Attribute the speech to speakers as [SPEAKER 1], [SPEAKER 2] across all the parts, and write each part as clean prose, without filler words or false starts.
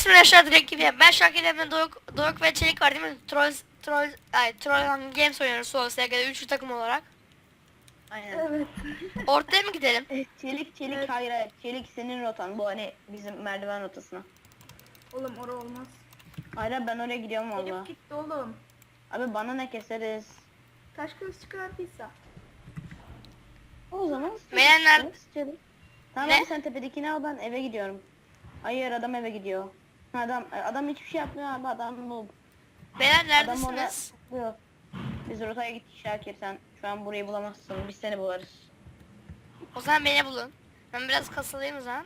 [SPEAKER 1] geçmeden aşağı direkt gibi. Ben Şakir Emre Doruk ve Çelik var değil mi? Troll Games oynuyoruz Solo SG'de üçlü takım olarak.
[SPEAKER 2] Aynen.
[SPEAKER 3] Evet.
[SPEAKER 1] Ortaya mı gidelim?
[SPEAKER 2] Çelik
[SPEAKER 3] Evet.
[SPEAKER 2] hayır. Çelik senin rotan. Bu hani bizim merdiven rotasına.
[SPEAKER 3] Oğlum orası olmaz.
[SPEAKER 2] Hayır ben oraya gidiyorum valla.
[SPEAKER 3] Elif gitti oğlum.
[SPEAKER 2] Abi bana ne keseriz?
[SPEAKER 3] Taş kılıç çıkardıysa.
[SPEAKER 2] O zaman
[SPEAKER 1] Beğenler-
[SPEAKER 2] Çelik. Tamam
[SPEAKER 1] Ne?
[SPEAKER 2] abi sen tepedekini al ben eve gidiyorum. Hayır adam eve gidiyor. Adam hiçbir şey yapmıyor abi adam noob.
[SPEAKER 1] Beyler
[SPEAKER 2] Adam orada
[SPEAKER 1] neredesiniz?
[SPEAKER 2] tutuyor. Biz rotaya gittik Şakir sen şu an burayı bulamazsın. Biz seni bularız.
[SPEAKER 1] O zaman beni bulun. Ben biraz kasılayım o zaman.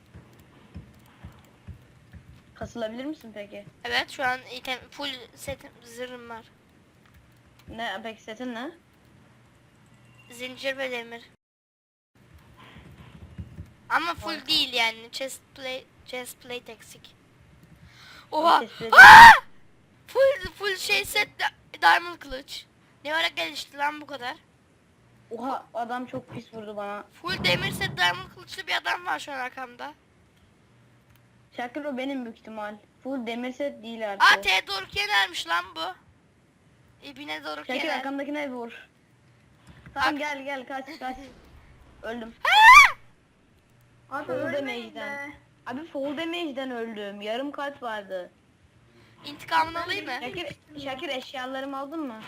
[SPEAKER 2] Kasılabilir misin peki?
[SPEAKER 1] Evet şu an item full setim zırhım var.
[SPEAKER 2] Ne peki setin ne?
[SPEAKER 1] Zincir ve demir. Ama full değil yani. Chest plate eksik. Oha!
[SPEAKER 2] Chest plate-
[SPEAKER 1] Aa! Full şey set diamond kılıç. Ne ara gelişti lan bu kadar?
[SPEAKER 2] Oha adam çok pis vurdu bana.
[SPEAKER 1] Full demir set diamond kılıçlı bir adam var şu an arkamda.
[SPEAKER 2] Şakir o benim büyük ihtimal. Full demir set değil artık.
[SPEAKER 1] Aa T Doruk Yener'miş lan bu. İbine Doruk
[SPEAKER 2] Şakir
[SPEAKER 1] Yener.
[SPEAKER 2] arkamdakine vur. Tamam
[SPEAKER 1] Ak-
[SPEAKER 2] gel kaç. Öldüm.
[SPEAKER 3] Abi
[SPEAKER 2] Full
[SPEAKER 3] ölmeyin
[SPEAKER 2] damage'den.
[SPEAKER 3] be.
[SPEAKER 2] Abi full damage'den öldüm. Yarım kalp vardı.
[SPEAKER 1] İntikamını alayım mı?
[SPEAKER 2] Şakir eşyalarımı aldın mı?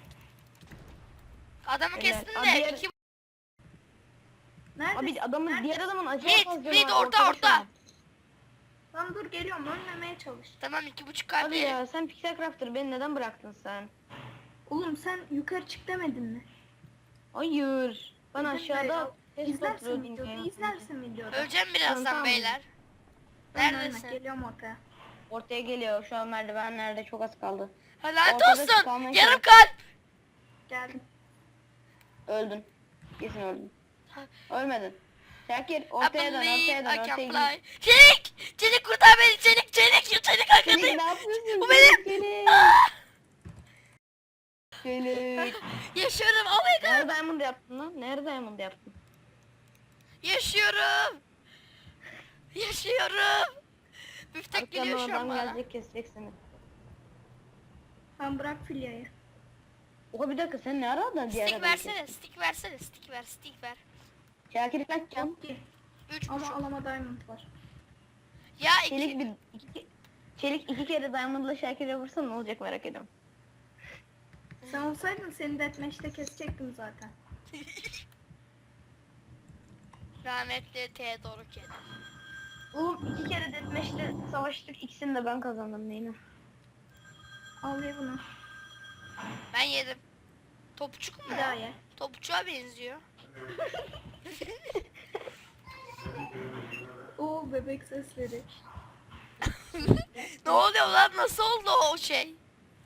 [SPEAKER 1] Adamı
[SPEAKER 2] Evet.
[SPEAKER 1] kestin
[SPEAKER 2] Abi
[SPEAKER 1] de
[SPEAKER 2] diğer-
[SPEAKER 1] iki...
[SPEAKER 3] Nerede?
[SPEAKER 2] Abi adamın
[SPEAKER 3] Nerede?
[SPEAKER 2] diğer adamın acayip az canı
[SPEAKER 1] Mid,
[SPEAKER 2] var,
[SPEAKER 1] orta.
[SPEAKER 2] şu an.
[SPEAKER 3] Lan dur geliyorum ölmemeye çalış.
[SPEAKER 1] Tamam 2,5
[SPEAKER 2] Abi
[SPEAKER 1] kalp
[SPEAKER 2] ya sen Pixel Crafter beni neden bıraktın sen?
[SPEAKER 3] Oğlum sen yukarı çık demedin mi?
[SPEAKER 2] Hayır. Ben
[SPEAKER 3] Dedim
[SPEAKER 2] aşağıda
[SPEAKER 3] ya,
[SPEAKER 2] test
[SPEAKER 3] İzlersin
[SPEAKER 2] oturuyordum
[SPEAKER 3] videoda,
[SPEAKER 2] ya.
[SPEAKER 3] izlersin videoda.
[SPEAKER 1] Öleceğim birazdan
[SPEAKER 2] Tamam.
[SPEAKER 1] beyler.
[SPEAKER 3] Ben
[SPEAKER 1] Neredesin?
[SPEAKER 3] geliyorum ortaya.
[SPEAKER 2] Ortaya geliyor. Şu an merdivenlerde çok az kaldı.
[SPEAKER 1] Lanet
[SPEAKER 2] Ortada
[SPEAKER 1] olsun.
[SPEAKER 2] kalmaya
[SPEAKER 1] Yarım
[SPEAKER 2] çalış.
[SPEAKER 1] kalp.
[SPEAKER 3] Geldim.
[SPEAKER 2] Öldün. Kesin öldün. Ölmedin. Şakir
[SPEAKER 1] I
[SPEAKER 2] ortaya dön,
[SPEAKER 1] believe
[SPEAKER 2] ortaya
[SPEAKER 1] I
[SPEAKER 2] dön,
[SPEAKER 1] can
[SPEAKER 2] ortaya git.
[SPEAKER 1] fly. Çelik! Çelik kurtar beni Çelik! Çelik
[SPEAKER 2] Çelik
[SPEAKER 1] arkadayım.
[SPEAKER 2] ne yapıyorsun?
[SPEAKER 1] Bu benim.
[SPEAKER 2] Çelik.
[SPEAKER 1] Ah!
[SPEAKER 2] Çelik.
[SPEAKER 1] Yaşıyorum oh my god.
[SPEAKER 2] Nerede diamond yaptın lan? Nerede diamond yaptın?
[SPEAKER 1] Yaşıyorum. Yaşıyorum. Müftek geliyor
[SPEAKER 2] Arkamdan
[SPEAKER 1] şu an
[SPEAKER 2] adam
[SPEAKER 1] bana.
[SPEAKER 2] gelecek kesecek seni.
[SPEAKER 3] Ben bırak filyayı.
[SPEAKER 2] Oha bir dakika sen ne aradın diğer
[SPEAKER 1] Stick
[SPEAKER 2] adamı
[SPEAKER 1] versene,
[SPEAKER 2] kestin?
[SPEAKER 1] stick ver.
[SPEAKER 2] Şakir kaç can?
[SPEAKER 3] Yok ki.
[SPEAKER 1] 3,5.
[SPEAKER 3] Ama alama diamond var.
[SPEAKER 1] Ya
[SPEAKER 2] Çelik Çelik iki kere diamondla Şakir'e vursan ne olacak merak ediyorum.
[SPEAKER 3] Sen olsaydın seni deathmatch'te kesecektim zaten.
[SPEAKER 1] rahmetli T doğru kedi.
[SPEAKER 2] Oğlum iki kere deathmatch'te savaştık ikisini de ben kazandım neyine.
[SPEAKER 3] Al ye bunu.
[SPEAKER 1] Ben yedim. Topçuk mu?
[SPEAKER 3] Bir daha ye.
[SPEAKER 1] Topçuğa benziyor.
[SPEAKER 3] Oo bebek sesleri.
[SPEAKER 1] Ne oluyor lan? Nasıl oldu o şey?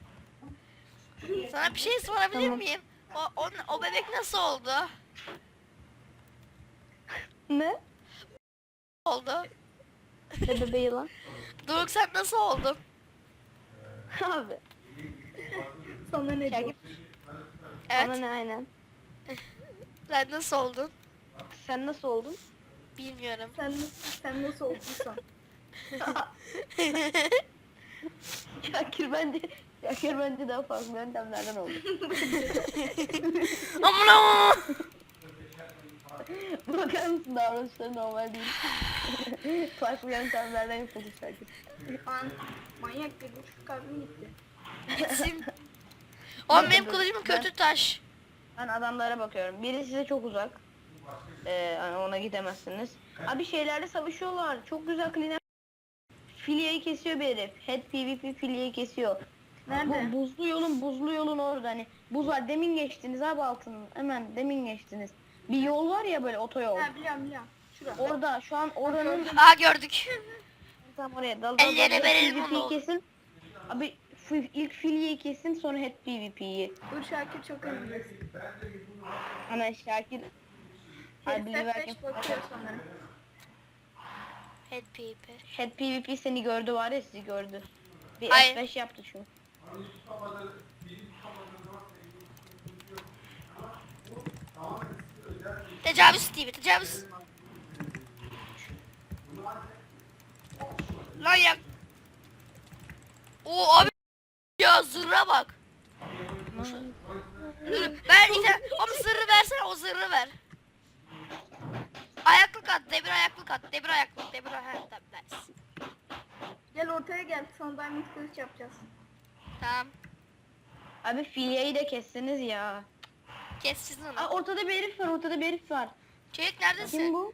[SPEAKER 1] Sana bir şey sorabilir
[SPEAKER 2] Tamam.
[SPEAKER 1] miyim? O bebek nasıl oldu?
[SPEAKER 2] Ne?
[SPEAKER 1] Oldu.
[SPEAKER 2] Ne bebeği lan?
[SPEAKER 1] Doruk sen nasıl oldun?
[SPEAKER 2] Abi.
[SPEAKER 3] Sana ne
[SPEAKER 2] Şakir
[SPEAKER 3] diyor?
[SPEAKER 2] bana
[SPEAKER 1] Evet.
[SPEAKER 2] ne aynen.
[SPEAKER 1] Sen nasıl oldun?
[SPEAKER 2] Sen nasıl oldun?
[SPEAKER 1] Bilmiyorum.
[SPEAKER 3] Sen nasıl olduysan.
[SPEAKER 2] Şakir bence daha farklı yöntemlerden oldu.
[SPEAKER 1] Aman aman.
[SPEAKER 2] Bakar mısın davranışları normal değil. Farklı yöntemlerden yapıldı Şakir.
[SPEAKER 3] Ben manyak bir buçuk kalbim gitti.
[SPEAKER 1] Gitsin. Oğlum benim kılıcım kötü taş.
[SPEAKER 2] Ben adamlara bakıyorum. Biri size çok uzak. Hani ona gidemezsiniz. Abi şeylerle savaşıyorlar. Çok güzel clean. Filyayı kesiyor bir herif. Head PvP filyayı kesiyor.
[SPEAKER 3] Nerede?
[SPEAKER 2] Bu buzlu yolun orada hani. Buz var. Demin geçtiniz abi altının. Hemen demin geçtiniz. Bir yol var ya böyle otoyol.
[SPEAKER 3] Ha biliyorum. Şura.
[SPEAKER 2] Orada şu an oranın
[SPEAKER 1] Aa gördük.
[SPEAKER 2] tam oraya dal
[SPEAKER 1] Ellere verelim
[SPEAKER 2] PvP'yi
[SPEAKER 1] onu.
[SPEAKER 2] kesin. Abi ilk filyeyi kesin sonra head PvP'yi.
[SPEAKER 3] Dur Şakir çok önündesin.
[SPEAKER 2] Ana Şakir. Abi
[SPEAKER 3] Herif
[SPEAKER 2] belki
[SPEAKER 3] F5 bakıyor sanırım.
[SPEAKER 1] Head pepe.
[SPEAKER 2] head PvP seni gördü var ya sizi gördü. Bir
[SPEAKER 1] Hayır.
[SPEAKER 2] F5 yaptı şu.
[SPEAKER 1] Tecavüz Steve, tecavüz. Lan ya O abi ya zırra bak. Ver işte. Ama zırhı versene, o zırhı ver. Ayaklık at, demir ayaklık at, demir ayaklık, demir ayaklık at. Nice.
[SPEAKER 3] Gel ortaya gel. Son diamond kılıç yapacağız.
[SPEAKER 1] Tamam.
[SPEAKER 2] Abi filyeyi de kesseniz ya.
[SPEAKER 1] Kes sizin
[SPEAKER 2] Aa,
[SPEAKER 1] onu.
[SPEAKER 2] ortada bir herif var, ortada bir herif var.
[SPEAKER 1] Çelik
[SPEAKER 2] Kim
[SPEAKER 1] neredesin?
[SPEAKER 2] bu?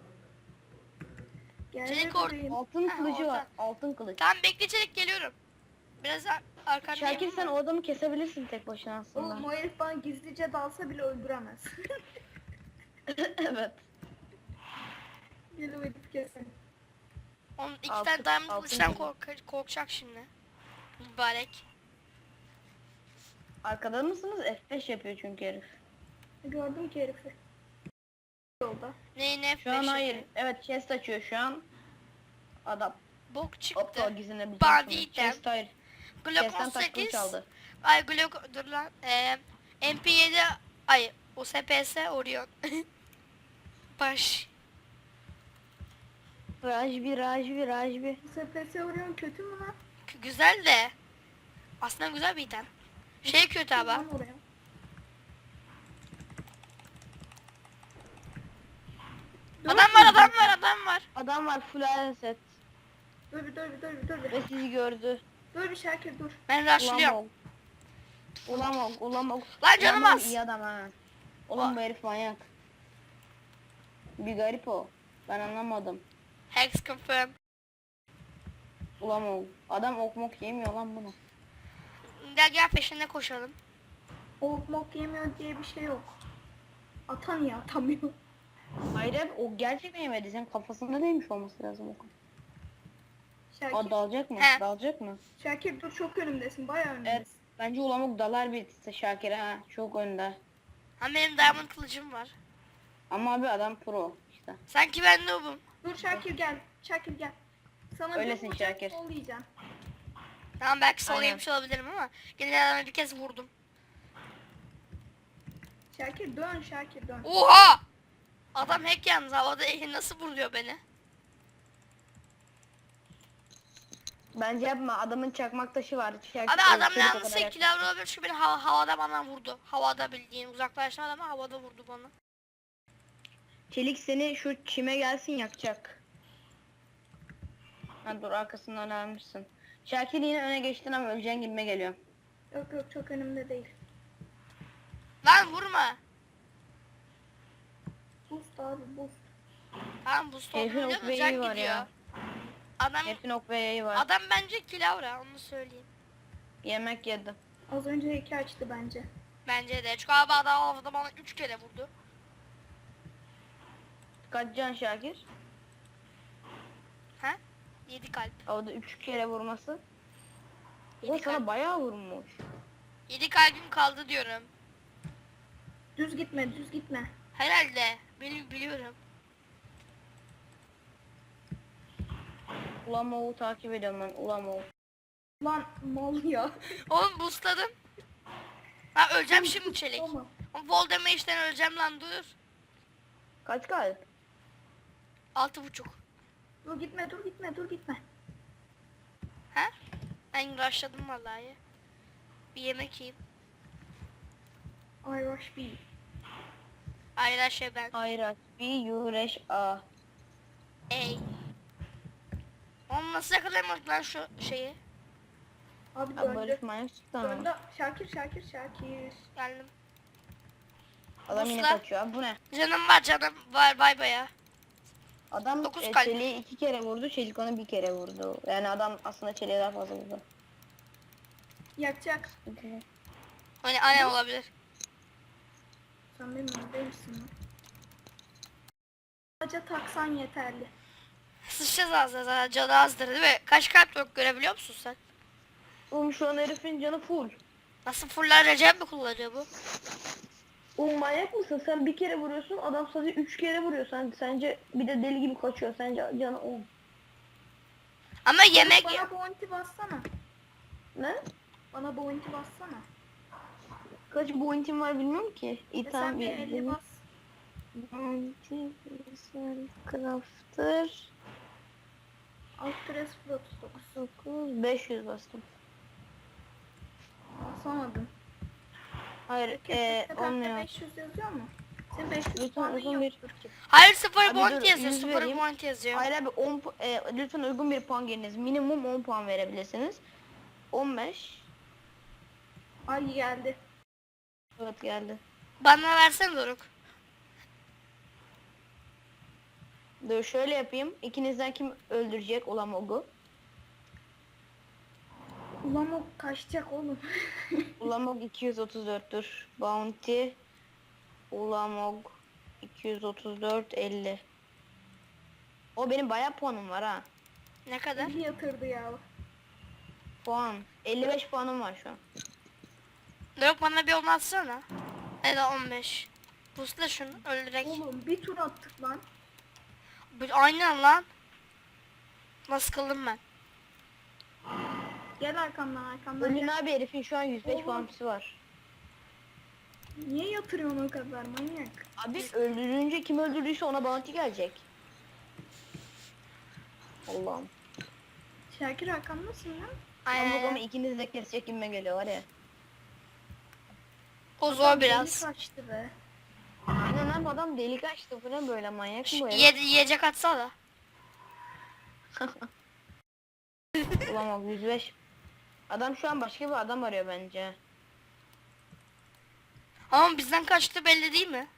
[SPEAKER 3] Gel
[SPEAKER 1] Çelik
[SPEAKER 3] bebeğim.
[SPEAKER 2] Altın
[SPEAKER 1] Ha,
[SPEAKER 2] kılıcı var.
[SPEAKER 1] orada.
[SPEAKER 2] Altın kılıç.
[SPEAKER 1] Tamam bekle Çelik, geliyorum. Biraz arkandayım.
[SPEAKER 2] Şakir sen
[SPEAKER 1] ama.
[SPEAKER 2] o adamı kesebilirsin tek başına aslında.
[SPEAKER 3] Oğlum o herif bana gizlice dalsa bile öldüremez.
[SPEAKER 2] Evet.
[SPEAKER 3] Gel o herifi kesin.
[SPEAKER 1] Onun iki
[SPEAKER 2] Altın-
[SPEAKER 1] tane diamond
[SPEAKER 2] altın
[SPEAKER 1] kılıçtan
[SPEAKER 2] kılıç.
[SPEAKER 1] korkacak şimdi. Mübarek.
[SPEAKER 2] Arkada mısınız? F5 yapıyor çünkü herif.
[SPEAKER 3] Gördüm ki herifi. Yolda.
[SPEAKER 1] Ne
[SPEAKER 2] Şu an hayır. Evet chest açıyor şu an. Adam.
[SPEAKER 1] Bok
[SPEAKER 2] Aptal
[SPEAKER 1] çıktı.
[SPEAKER 2] gizlenebilecek.
[SPEAKER 1] Bandit.
[SPEAKER 2] Chest hayır.
[SPEAKER 1] Glock
[SPEAKER 2] Chest'ten taş kılıç
[SPEAKER 1] 18.
[SPEAKER 2] aldı.
[SPEAKER 1] Ay Glock dur lan. MP7 ay o SPS Orion. Baş.
[SPEAKER 2] Rajbi.
[SPEAKER 3] Bu SPS Orion kötü mü lan?
[SPEAKER 1] Güzel de. Aslında güzel bir item. Şey kötü abi.
[SPEAKER 3] Lan oraya.
[SPEAKER 1] Adam var.
[SPEAKER 2] Adam var full iron set.
[SPEAKER 3] Dur bir.
[SPEAKER 2] Ve sizi gördü.
[SPEAKER 3] Dur bir Şakir dur.
[SPEAKER 1] Ben rushlıyorum.
[SPEAKER 2] Ulamog.
[SPEAKER 1] Lan canım az.
[SPEAKER 2] İyi adam ha. Oğlum bu herif manyak. Bir garip o. Ben anlamadım.
[SPEAKER 1] Hex confirm.
[SPEAKER 2] Ulamog. Adam okmok yemiyor lan bunu.
[SPEAKER 1] Gel peşinde koşalım.
[SPEAKER 3] Ok mok yemiyor diye bir şey yok. Atan ya atamıyor.
[SPEAKER 2] Hayır abi o gerçekten yemedi. Senin kafasında değmiş olması lazım o.
[SPEAKER 3] Şakir,
[SPEAKER 2] O dalacak mı?
[SPEAKER 1] He.
[SPEAKER 2] Dalacak mı?
[SPEAKER 3] Şakir dur çok önümdesin bayağı önümdesin.
[SPEAKER 2] Evet. Bence Ulamog dalar bir Şakir'e ha. Çok önde.
[SPEAKER 1] Ha benim diamond kılıcım var.
[SPEAKER 2] Ama abi adam pro işte.
[SPEAKER 1] Sanki ben noob'um.
[SPEAKER 3] Dur Şakir gel. Şakir gel. Sana
[SPEAKER 2] Öylesin
[SPEAKER 3] bir vuracağım,
[SPEAKER 2] Şakir.
[SPEAKER 3] sollayacaksın.
[SPEAKER 1] Tamam belki sol
[SPEAKER 2] Aynen.
[SPEAKER 1] yemiş olabilirim ama gene adama bir kez vurdum.
[SPEAKER 3] Şakir dön Şakir dön.
[SPEAKER 1] Oha! Adam hack yalnız havada nasıl vuruyor beni?
[SPEAKER 2] Bence yapma. Adamın çakmak taşı var.
[SPEAKER 1] Abi adam
[SPEAKER 2] çelik o kadar
[SPEAKER 1] yalnızsa
[SPEAKER 2] yakın.
[SPEAKER 1] 2 level olabilir çünkü beni havada bana vurdu. Havada bildiğin uzaklaştı ama havada vurdu bana.
[SPEAKER 2] Çelik seni şu çime gelsin yakacak. Ha dur arkasından almışsın. Şakir yine öne geçtin ama öleceğin gibime geliyor.
[SPEAKER 3] Yok çok önümde değil.
[SPEAKER 1] Lan vurma.
[SPEAKER 3] Boost abi boost.
[SPEAKER 1] Tamam bu stop
[SPEAKER 2] Herifin
[SPEAKER 1] biliyor
[SPEAKER 2] ok
[SPEAKER 1] musun?
[SPEAKER 2] ve
[SPEAKER 1] Can
[SPEAKER 2] yayı var
[SPEAKER 1] gidiyor.
[SPEAKER 2] ya.
[SPEAKER 1] Adam
[SPEAKER 2] Herifin ok ve yayı var.
[SPEAKER 1] adam bence kilavra onu söyleyeyim.
[SPEAKER 2] Yemek yedim.
[SPEAKER 3] Az önce heki açtı bence.
[SPEAKER 1] Bence de. Çünkü abi adam havada bana 3 kere vurdu.
[SPEAKER 2] Kaç can Şakir?
[SPEAKER 1] Ha? 7 kalp.
[SPEAKER 2] Havada 3 kere vurması. O
[SPEAKER 1] Yedi
[SPEAKER 2] sana
[SPEAKER 1] kalp.
[SPEAKER 2] bayağı vurmuş.
[SPEAKER 1] 7 kalbim kaldı diyorum.
[SPEAKER 3] Düz gitme.
[SPEAKER 1] Herhalde. Biliyorum.
[SPEAKER 2] Ulamog'u takip ediyorum ben. Ulamog.
[SPEAKER 3] Lan mal ya.
[SPEAKER 1] Oğlum boostladım. Ha öleceğim şimdi çelik.
[SPEAKER 3] Ama
[SPEAKER 1] Oğlum Vol damage'den öleceğim lan dur.
[SPEAKER 2] Kaç kalp?
[SPEAKER 1] 6,5.
[SPEAKER 3] dur gitme.
[SPEAKER 1] Ha? Ben rushladım vallahi. Bir yemek yiyeyim.
[SPEAKER 3] I rush B.
[SPEAKER 1] Ayra şey ben.
[SPEAKER 2] Ayraç. Bir yureş a.
[SPEAKER 1] Ey. Oğlum nasıl yakalayamadık lan şu şeyi?
[SPEAKER 3] Abi
[SPEAKER 2] Abi
[SPEAKER 3] döndü.
[SPEAKER 2] Barış manyak çıktı ama.
[SPEAKER 3] Döndü. Şakir.
[SPEAKER 1] Geldim.
[SPEAKER 2] Adam yine
[SPEAKER 1] Busla.
[SPEAKER 2] kaçıyor. Abi bu ne?
[SPEAKER 1] Canım var bay baya.
[SPEAKER 2] Adam
[SPEAKER 1] Dokuz kalp.
[SPEAKER 2] Çelik'i 2 kere vurdu. Çelik onu 1 kere vurdu. Yani adam aslında Çelik'e daha fazla vurdu.
[SPEAKER 3] Yakacak.
[SPEAKER 1] Hani anne olabilir.
[SPEAKER 3] Sen benim önümdeymişsin lan. Sadece taksan yeterli.
[SPEAKER 1] Sıçacağız ağzına zaten canı azdır değil mi? Kaç kalp yok görebiliyor musun sen?
[SPEAKER 2] Oğlum şu an herifin canı full.
[SPEAKER 1] Nasıl fuller Recep mi kullanıyor bu?
[SPEAKER 2] Oğlum manyak mısın? Sen bir kere vuruyorsun. Adam sadece 3 kere vuruyor. Sence bir de deli gibi kaçıyor. Sence canı 10.
[SPEAKER 1] Ama yemek...
[SPEAKER 3] Bana bounty bassana.
[SPEAKER 2] Ne?
[SPEAKER 3] Bana bounty bassana.
[SPEAKER 2] Kaç bounty'm var bilmiyorum ki. İyi
[SPEAKER 3] Sen
[SPEAKER 2] tamam
[SPEAKER 3] bir 50 bas.
[SPEAKER 2] Bounty, crafter,
[SPEAKER 3] Alt press 39.
[SPEAKER 2] 9, 500 bastım.
[SPEAKER 3] Basamadım.
[SPEAKER 2] Hayır
[SPEAKER 3] Kesinlikle
[SPEAKER 2] olmuyor.
[SPEAKER 3] 500 yazıyor mu? Senin 500
[SPEAKER 2] Lütfen
[SPEAKER 3] puanın
[SPEAKER 2] uygun bir...
[SPEAKER 3] yoktur ki.
[SPEAKER 1] Hayır, sıfır
[SPEAKER 2] Abi
[SPEAKER 1] point
[SPEAKER 2] dur,
[SPEAKER 1] yazıyor.
[SPEAKER 2] 100
[SPEAKER 1] Sıfır
[SPEAKER 2] vereyim.
[SPEAKER 1] point yazıyor.
[SPEAKER 2] Hayır abi lütfen uygun bir puan giriniz. Minimum 10 puan verebilirsiniz. 15.
[SPEAKER 3] Ay geldi.
[SPEAKER 2] Evet geldi.
[SPEAKER 1] Bana versene Doruk.
[SPEAKER 2] Dur şöyle yapayım. İkinizden kim öldürecek Ulamog'u?
[SPEAKER 3] Ulan o kaçacak oğlum.
[SPEAKER 2] Ulamog 234'tür. Bounty Ulamog 234 50. O benim bayağı puanım var ha.
[SPEAKER 1] Ne kadar?
[SPEAKER 3] İyi yatırdı ya.
[SPEAKER 2] Puan. 55 puanım var şu an.
[SPEAKER 1] Doruk bana bir 10 atsana. Ya da 15. Busla şunu öldürek.
[SPEAKER 3] Oğlum bir tur attık lan.
[SPEAKER 1] Aynen lan. Nasıl kıldım ben?
[SPEAKER 3] Gel arkamdan
[SPEAKER 2] Ölün
[SPEAKER 3] gel.
[SPEAKER 2] abi herifin şu an 105
[SPEAKER 3] Oğlum.
[SPEAKER 2] bounty'si var.
[SPEAKER 3] Niye yatırıyorsun o kadar manyak?
[SPEAKER 2] Abi öldürünce kim öldürdüyse ona bounty gelecek. Allah'ım.
[SPEAKER 3] Şakir arkamdasın lan.
[SPEAKER 2] Ben bu ama
[SPEAKER 1] Aynen.
[SPEAKER 2] ikiniz de kesecek gibime geliyor var ya.
[SPEAKER 1] O zor biraz.
[SPEAKER 3] Deli kaçtı be.
[SPEAKER 2] Aynen abi adam delik açtı. Bu ne böyle manyak mı bu herif?
[SPEAKER 1] Yiyecek atsana.
[SPEAKER 2] Ulan bak 105. Adam şu an başka bir adam arıyor bence.
[SPEAKER 3] Ama
[SPEAKER 1] Ama bizden kaçtı belli değil mi?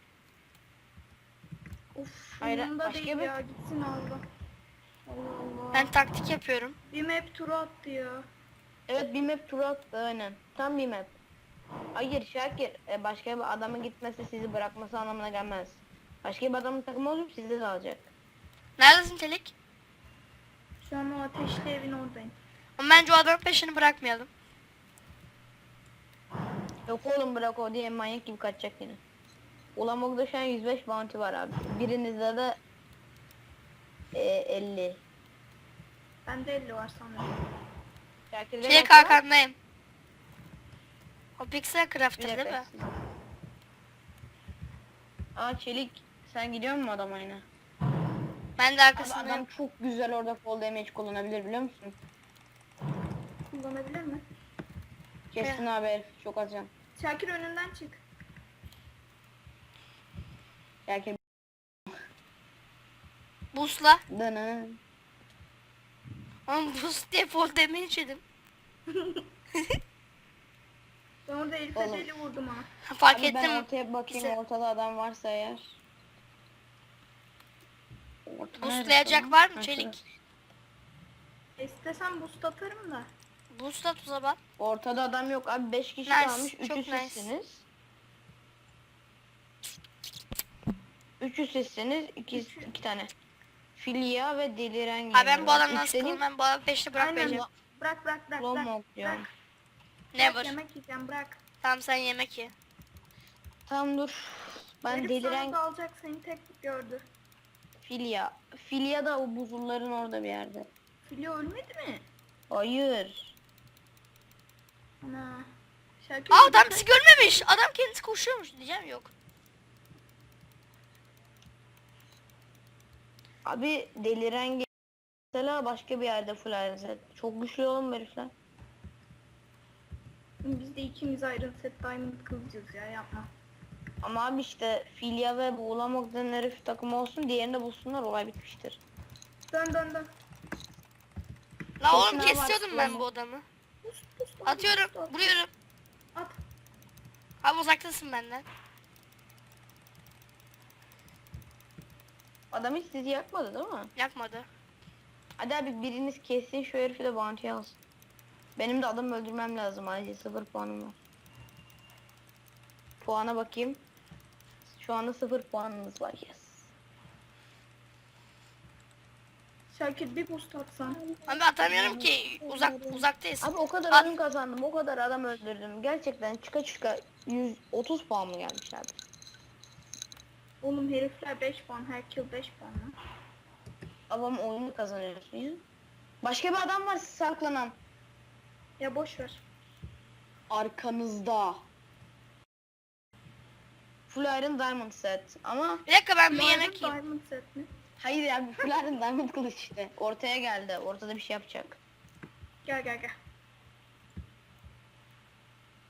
[SPEAKER 3] of
[SPEAKER 2] Hayır,
[SPEAKER 3] yanımda
[SPEAKER 2] başka
[SPEAKER 3] değil
[SPEAKER 2] bir-
[SPEAKER 3] ya gitsin Allah. Allah Allah.
[SPEAKER 1] Ben taktik yapıyorum.
[SPEAKER 3] Bir map turu attı ya.
[SPEAKER 2] Evet bir map turu attı aynen. Tam bir map. Hayır Şakir başka bir adamın gitmesi sizi bırakması anlamına gelmez. Başka bir adamın takımı olup sizi de alacak.
[SPEAKER 1] Neredesin Telik?
[SPEAKER 3] Şu an o ateşli evin oradayım.
[SPEAKER 1] Ama bence o adamın peşini bırakmayalım.
[SPEAKER 2] Yok oğlum bırak o diye manyak gibi kaçacak yine. Ulamog'da şu an 105 bounty var abi. Birinizde de 50.
[SPEAKER 3] Bende 50 var sanırım.
[SPEAKER 2] Şakir'de
[SPEAKER 1] Telik
[SPEAKER 2] kaç var?
[SPEAKER 1] arkandayım. O Pixel
[SPEAKER 2] Bir
[SPEAKER 1] Craft'tır
[SPEAKER 2] dakika.
[SPEAKER 1] değil mi?
[SPEAKER 2] Aa Çelik sen gidiyor musun adama yine?
[SPEAKER 1] Ben de
[SPEAKER 2] Abi
[SPEAKER 1] arkasındayım.
[SPEAKER 2] adam çok güzel orada fall damage kullanabilir biliyor musun?
[SPEAKER 3] Kullanabilir mi?
[SPEAKER 2] Kestin abi herif çok az can.
[SPEAKER 3] Şakir önünden çık.
[SPEAKER 2] Şakir
[SPEAKER 1] Busla.
[SPEAKER 2] dını.
[SPEAKER 1] Ama bus diye fall damage yedim.
[SPEAKER 3] Ben orada Elif'e
[SPEAKER 2] Oğlum.
[SPEAKER 3] deli vurdum ha.
[SPEAKER 1] Fark
[SPEAKER 2] Abi ben
[SPEAKER 1] ettim.
[SPEAKER 2] ortaya bakayım
[SPEAKER 1] Bize.
[SPEAKER 2] ortada adam varsa eğer. Orta
[SPEAKER 1] Buslayacak
[SPEAKER 2] neresi
[SPEAKER 1] var mı
[SPEAKER 2] Ha,
[SPEAKER 1] Çelik?
[SPEAKER 2] şurası.
[SPEAKER 3] İstesem boost atarım da.
[SPEAKER 1] Busla tuza bak.
[SPEAKER 2] Ortada adam yok abi 5 kişi
[SPEAKER 1] Nice,
[SPEAKER 2] kalmış.
[SPEAKER 1] çok
[SPEAKER 2] 3'ü
[SPEAKER 1] nice.
[SPEAKER 2] sizsiniz. 3'ü sizsiniz. 2 tane. Filya ve deliren
[SPEAKER 1] Ha ben bu
[SPEAKER 2] geliyor.
[SPEAKER 1] adamdan
[SPEAKER 2] Üç dediğim
[SPEAKER 1] sıkıldım. Ben bu adamın peşini bırakmayacağım.
[SPEAKER 3] Bırak.
[SPEAKER 2] Lomog diyorum.
[SPEAKER 3] Bırak.
[SPEAKER 1] Never.
[SPEAKER 3] Yemek yiyeceğim bırak.
[SPEAKER 1] Tamam sen yemek ye.
[SPEAKER 2] Tamam dur. Ben
[SPEAKER 3] Herif
[SPEAKER 2] deliren
[SPEAKER 3] sana dalacak seni tek gördü.
[SPEAKER 2] Filya. Filya da o buzulların orada bir yerde.
[SPEAKER 3] Filya ölmedi mi?
[SPEAKER 2] Hayır.
[SPEAKER 3] Ana. Şakir
[SPEAKER 1] Aa adam bizi görmemiş. Adam kendisi koşuyormuş diyeceğim yok.
[SPEAKER 2] Abi deliren mesela başka bir yerde full iron set. Çok güçlü oğlum bu herifler.
[SPEAKER 3] Biz de ikimiz Iron Set Diamond kılacağız ya yapma.
[SPEAKER 2] Ama abi işte Filya ve Buğulamak denen herif takımı olsun diğerini de bulsunlar olay bitmiştir.
[SPEAKER 3] Dön.
[SPEAKER 1] La oğlum
[SPEAKER 2] Kesin
[SPEAKER 1] kesiyordum
[SPEAKER 2] var,
[SPEAKER 1] ben
[SPEAKER 2] lan.
[SPEAKER 1] bu adamı.
[SPEAKER 3] Pus, at,
[SPEAKER 1] Atıyorum.
[SPEAKER 3] at.
[SPEAKER 1] Vuruyorum.
[SPEAKER 3] At.
[SPEAKER 1] Abi uzaktasın benden.
[SPEAKER 2] Adam hiç sizi yakmadı değil mi?
[SPEAKER 1] Yakmadı.
[SPEAKER 2] Hadi abi biriniz kessin şu herifi de bounty alsın. Benim de adamı öldürmem lazım acil 0 puanım var. Puana bakayım. Şu anda 0 puanınız var yes.
[SPEAKER 3] Şakir bir boost atsan.
[SPEAKER 1] Abi atamıyorum ki. Uzaktayız.
[SPEAKER 2] Abi o kadar
[SPEAKER 1] At.
[SPEAKER 2] oyun kazandım o kadar adam öldürdüm. Gerçekten çıka 130 puan mı gelmiş abi?
[SPEAKER 3] Oğlum herifler 5 puan. Her kill 5 puan lan.
[SPEAKER 2] Babam oyunu kazanıyorsun ya. Başka bir adam var saklanan.
[SPEAKER 3] Ya boş ver.
[SPEAKER 2] Arkanızda. Full Iron Diamond set ama
[SPEAKER 1] Bir dakika ben bir
[SPEAKER 3] Diamond,
[SPEAKER 1] yemek yiyeyim.
[SPEAKER 3] Diamond set mi?
[SPEAKER 2] hayır ya Full Iron Diamond kılıç işte. Ortaya geldi. Ortada bir şey yapacak.
[SPEAKER 3] Gel.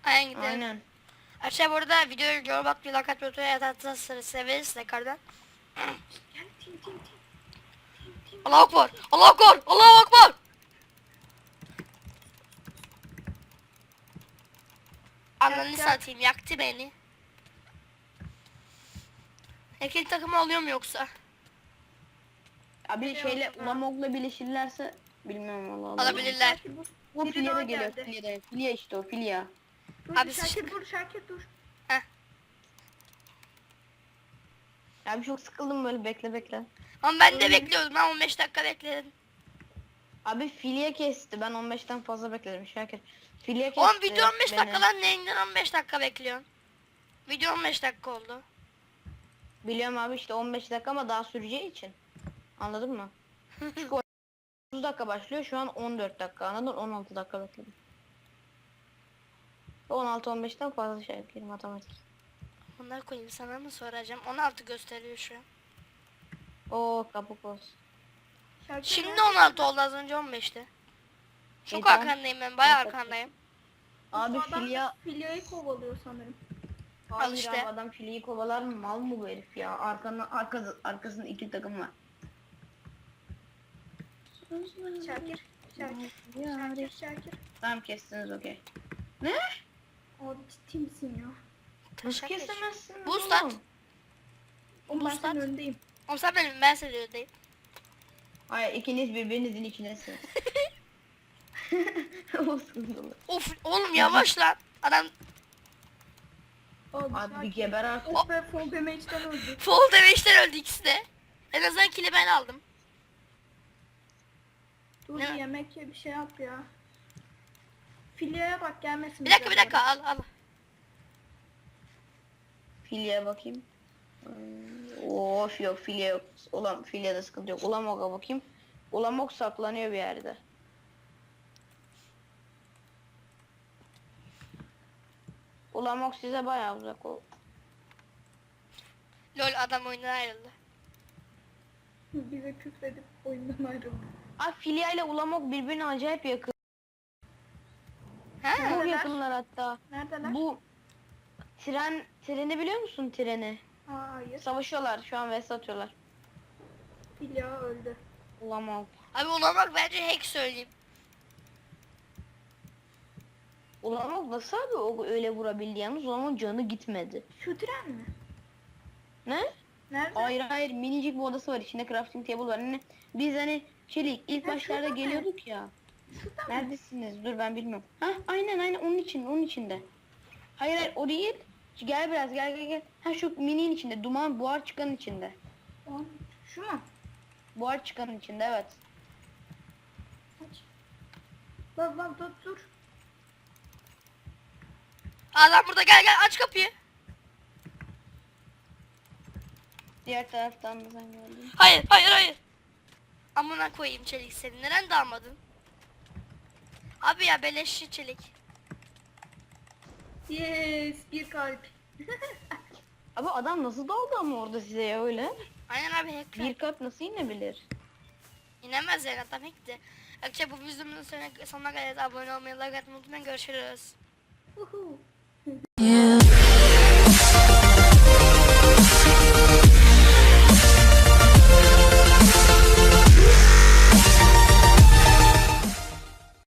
[SPEAKER 1] Aynen gidelim.
[SPEAKER 2] Aynen.
[SPEAKER 1] Arkadaşlar bu arada videoyu yorum atmayı, like atmayı, unutmayın. Atarsanız severiz tekrardan.
[SPEAKER 3] Gel tim.
[SPEAKER 1] Allahu Akbar! Allahu Akbar! Allahu Akbar! Ananı
[SPEAKER 3] Yak.
[SPEAKER 1] satayım, yaktı beni. Erkek takımı alıyor mu yoksa?
[SPEAKER 2] Abi şeyle Ulamog'la birleşirlerse bilmiyorum valla.
[SPEAKER 1] Alabilirler.
[SPEAKER 3] Şakir, bu-
[SPEAKER 2] O
[SPEAKER 3] biri
[SPEAKER 2] Filya'da
[SPEAKER 3] daha
[SPEAKER 2] geliyor.
[SPEAKER 3] geldi.
[SPEAKER 2] Filya'da. Filya işte o Filya.
[SPEAKER 3] Dur
[SPEAKER 1] Abi
[SPEAKER 3] Şakir
[SPEAKER 1] sıçtık.
[SPEAKER 3] dur Şakir dur.
[SPEAKER 2] Abi çok sıkıldım böyle bekle.
[SPEAKER 1] Ama ben de bekliyordum. Ben 15 dakika bekledim.
[SPEAKER 2] Abi Filya kesti. Ben 15'ten fazla bekledim Şakir. Filya kesti.
[SPEAKER 1] Oğlum video 15
[SPEAKER 2] beni.
[SPEAKER 1] dakika lan, neyinden 15 dakika bekliyorsun? Video 15 dakika oldu.
[SPEAKER 2] Biliyorum abi işte 15 dakika ama daha süreceği için. Anladın mı? Çünkü 30 dakika başlıyor. Şu an 14 dakika. Anladın? 16 dakika bekledim. 16-15'ten fazla şey yapayım matematik.
[SPEAKER 1] Bunları koyayım, sana mı soracağım? 16 gösteriyor şu an.
[SPEAKER 2] Oo kabuk olsun.
[SPEAKER 3] Şakir
[SPEAKER 1] Şimdi
[SPEAKER 3] nerede?
[SPEAKER 1] 16 oldu, az önce 15'ti. Çok
[SPEAKER 2] tamam.
[SPEAKER 1] arkandayım ben, bayağı arkandayım.
[SPEAKER 2] Abi
[SPEAKER 3] Bu adam
[SPEAKER 2] Filya...
[SPEAKER 3] Filya'yı kovalıyor sanırım.
[SPEAKER 2] Hayır
[SPEAKER 1] işte.
[SPEAKER 2] abi adam Filya'yı kovalar mı? Mal mı bu herif ya? Arkasında iki takım var.
[SPEAKER 3] Şakir.
[SPEAKER 2] Tamam kestiniz okey.
[SPEAKER 3] Abi ciddi misin ya?
[SPEAKER 2] Nasıl
[SPEAKER 1] Taşak geç.
[SPEAKER 2] kesemezsin?
[SPEAKER 1] Boost
[SPEAKER 2] oğlum?
[SPEAKER 1] at.
[SPEAKER 3] Oğlum ben
[SPEAKER 1] Boost
[SPEAKER 3] senin
[SPEAKER 1] at.
[SPEAKER 3] öndeyim.
[SPEAKER 1] Oğlum sen benim, ben senin önündeyim.
[SPEAKER 2] Hayır ikiniz birbirinizin içindesiniz. O sıkıntılı.
[SPEAKER 1] Of oğlum yavaş lan. Adam
[SPEAKER 3] Abi,
[SPEAKER 2] Abi bir
[SPEAKER 3] Şakir.
[SPEAKER 2] geber artık.
[SPEAKER 3] Oh be Fall Damage'den öldü.
[SPEAKER 1] fall damage'den öldü ikisi de. En azından kili ben aldım.
[SPEAKER 3] Dur
[SPEAKER 1] Ne?
[SPEAKER 3] bir yemek ye bir şey yap ya. Filya'ya bak gelmesin.
[SPEAKER 1] Bir dakika
[SPEAKER 3] bize
[SPEAKER 1] al al.
[SPEAKER 2] Filya'ya bakayım. Of yok Filya yok. Ulan Filya'da sıkıntı yok. Ulamog'a bakayım. Ulamog saklanıyor bir yerde. Ulamog size bayağı uzak o.
[SPEAKER 1] Lol, adam oyundan ayrıldı.
[SPEAKER 3] Bize küfredip oyundan ayrıldı.
[SPEAKER 2] Abi Filya ile Ulamog birbirine acayip yakın.
[SPEAKER 1] Ha?
[SPEAKER 2] Çok
[SPEAKER 3] Neredeler?
[SPEAKER 2] yakınlar hatta.
[SPEAKER 3] Neredeler?
[SPEAKER 2] Bu treni biliyor musun treni?
[SPEAKER 3] Hayır.
[SPEAKER 2] Savaşıyorlar şu an vs atıyorlar.
[SPEAKER 3] Filya öldü.
[SPEAKER 2] Ulamog.
[SPEAKER 1] Abi ona bak, bence hack söyleyeyim.
[SPEAKER 2] Ulamog nasıl abi o öyle vurabildi yalnız Ulamog'un canı gitmedi.
[SPEAKER 3] Şu tren mi?
[SPEAKER 2] Ne?
[SPEAKER 3] Nerede?
[SPEAKER 2] Hayır minicik bir odası var içinde crafting table var. Hani biz hani Çelik ilk
[SPEAKER 3] Ha,
[SPEAKER 2] başlarda
[SPEAKER 3] şurada mı?
[SPEAKER 2] geliyorduk ya.
[SPEAKER 3] Şurada mı?
[SPEAKER 2] Neredesiniz? Dur ben bilmiyorum. Ha aynen onun içinde. Hayır o değil. Gel biraz gel. Ha şu mininin içinde duman buhar çıkanın içinde.
[SPEAKER 3] Şu mu?
[SPEAKER 2] Buhar çıkanın içinde evet.
[SPEAKER 3] Aç. Bak dur.
[SPEAKER 1] Adam burada, gel aç kapıyı.
[SPEAKER 2] Diğer taraftan da sen geldin.
[SPEAKER 1] Hayır. Amına koyayım Çelik seni. Neden dalmadın? Abi ya beleşçi Çelik.
[SPEAKER 3] Yes, bir kalp.
[SPEAKER 2] Abi adam nasıl daldı ama orada size ya öyle?
[SPEAKER 1] Aynen abi, hack.
[SPEAKER 2] Bir kalp nasıl inebilir?
[SPEAKER 1] İnemez yani, adam hackti. Arkadaşlar bu videomuzun sonuna geleceğiz. Abone olmayı, like atmayı unutmayın. Görüşürüz.
[SPEAKER 3] Uhu.
[SPEAKER 4] You